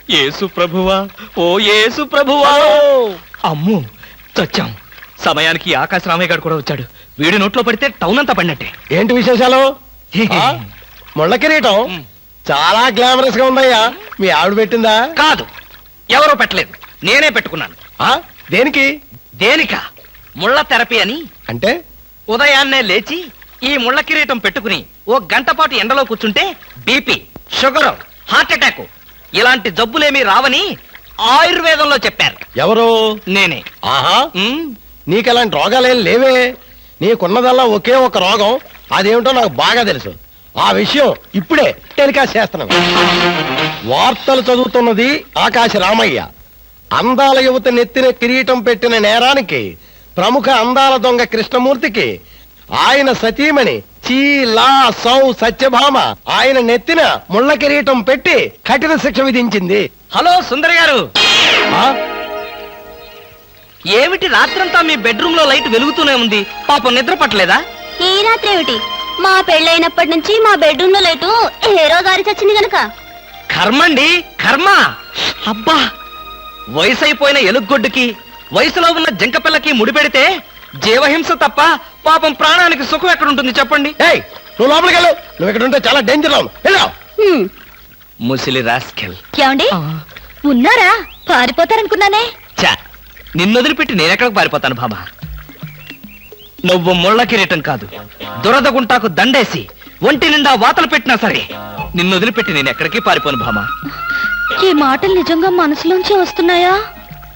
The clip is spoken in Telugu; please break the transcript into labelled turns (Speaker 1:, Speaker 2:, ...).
Speaker 1: యేసు ప్రభువా, ఓ యేసు ప్రభువా. అమ్ము చచ్చాం. సమయానికి ఆకాశ రామయ్య గారు కూడా వచ్చాడు. వీడి నోట్లో పడితే టౌన్ అంతా పడినట్టే.
Speaker 2: ఏంటి విశేషాలు? ముళ్ళ కిరీటం చాలా గ్లామరస్ గా ఉందయ్యా. మీ ఆవిడ పెట్టిందా?
Speaker 1: కాదు, ఎవరో పెట్టలేదు, నేనే పెట్టుకున్నాను.
Speaker 2: దేనికి?
Speaker 1: దేనికా? ముళ్ళ థెరపీ అని.
Speaker 2: అంటే
Speaker 1: ఉదయాన్నే లేచి ఈ ముళ్ళ కిరీటం పెట్టుకుని ఓ గంట పాటు ఎండలో కూర్చుంటే బీపీ, షుగర్, హార్ట్ అటాక్ ఇలాంటి జబ్బులేమీ రావని ఆయుర్వేదంలో చెప్పారు.
Speaker 2: ఎవరు?
Speaker 1: నేనే.
Speaker 2: ఆహా, నీకెలాంటి రోగాలేం లేవే. నీకున్నదల్లా ఒకే ఒక రోగం. అదేమిటో నాకు బాగా తెలుసు. ఆ విషయం ఇప్పుడే టెలికాస్ట్ చేస్తున్నాను. వార్తలు చదువుతున్నది ఆకాశ రామయ్య. అందాల యువత నెత్తిన కిరీటం పెట్టిన నేరానికి ప్రముఖ అందాల దొంగ కృష్ణమూర్తికి ఆయన సతీమణి చీలా సౌ సత్యభామ ఆయన నెత్తిన ముళ్ళ కిరీటం పెట్టి కఠిన శిక్ష విధించింది.
Speaker 1: హలో సుందరి గారు, ఏమిటి రాత్రంతా మీ బెడ్రూమ్ లో లైట్ వెలుగుతూనే ఉంది? పాపం నిద్ర పట్టలేదా?
Speaker 3: ఈ రాత్రి ఏమిటి? మా పెళ్ళైనప్పటి నుంచి మా బెడ్రూమ్ లో లైటు ఏ రోజు ఆరి చచ్చింది గనక.
Speaker 1: కర్మండి, కర్మ. అబ్బా, వయసు అయిపోయిన ఎలుగొడ్డుకి వయసులో ఉన్న జంకపిల్లకి ముడిపెడితే జీవహింస తప్ప పాపం ప్రాణానికి సుఖం ఎక్కడుంటుంది చెప్పండి?
Speaker 2: నువ్వు లోపలికి వెళ్ళు. నువ్వు ఇక్కడ ఉంటే చాలా డేంజర్.
Speaker 1: ముసిలి రాస్కెల్.
Speaker 3: ఏమండి ఉన్నారా? పారిపోతారనుకున్నానే.
Speaker 1: చా, నిన్నొదిలిపెట్టి నేనెక్కడికి పారిపోతాను బాబా? నువ్వు ముళ్ళ కిరీటం కాదు, దురదగుంటాకు దండేసి ఒంటి నిండా వాతలు పెట్టినా సరే నిన్నొదిలిపెట్టి నేను ఎక్కడికి పారిపోను భామా.
Speaker 3: ఈ మాటలు నిజంగా మనసులోంచి వస్తున్నాయా?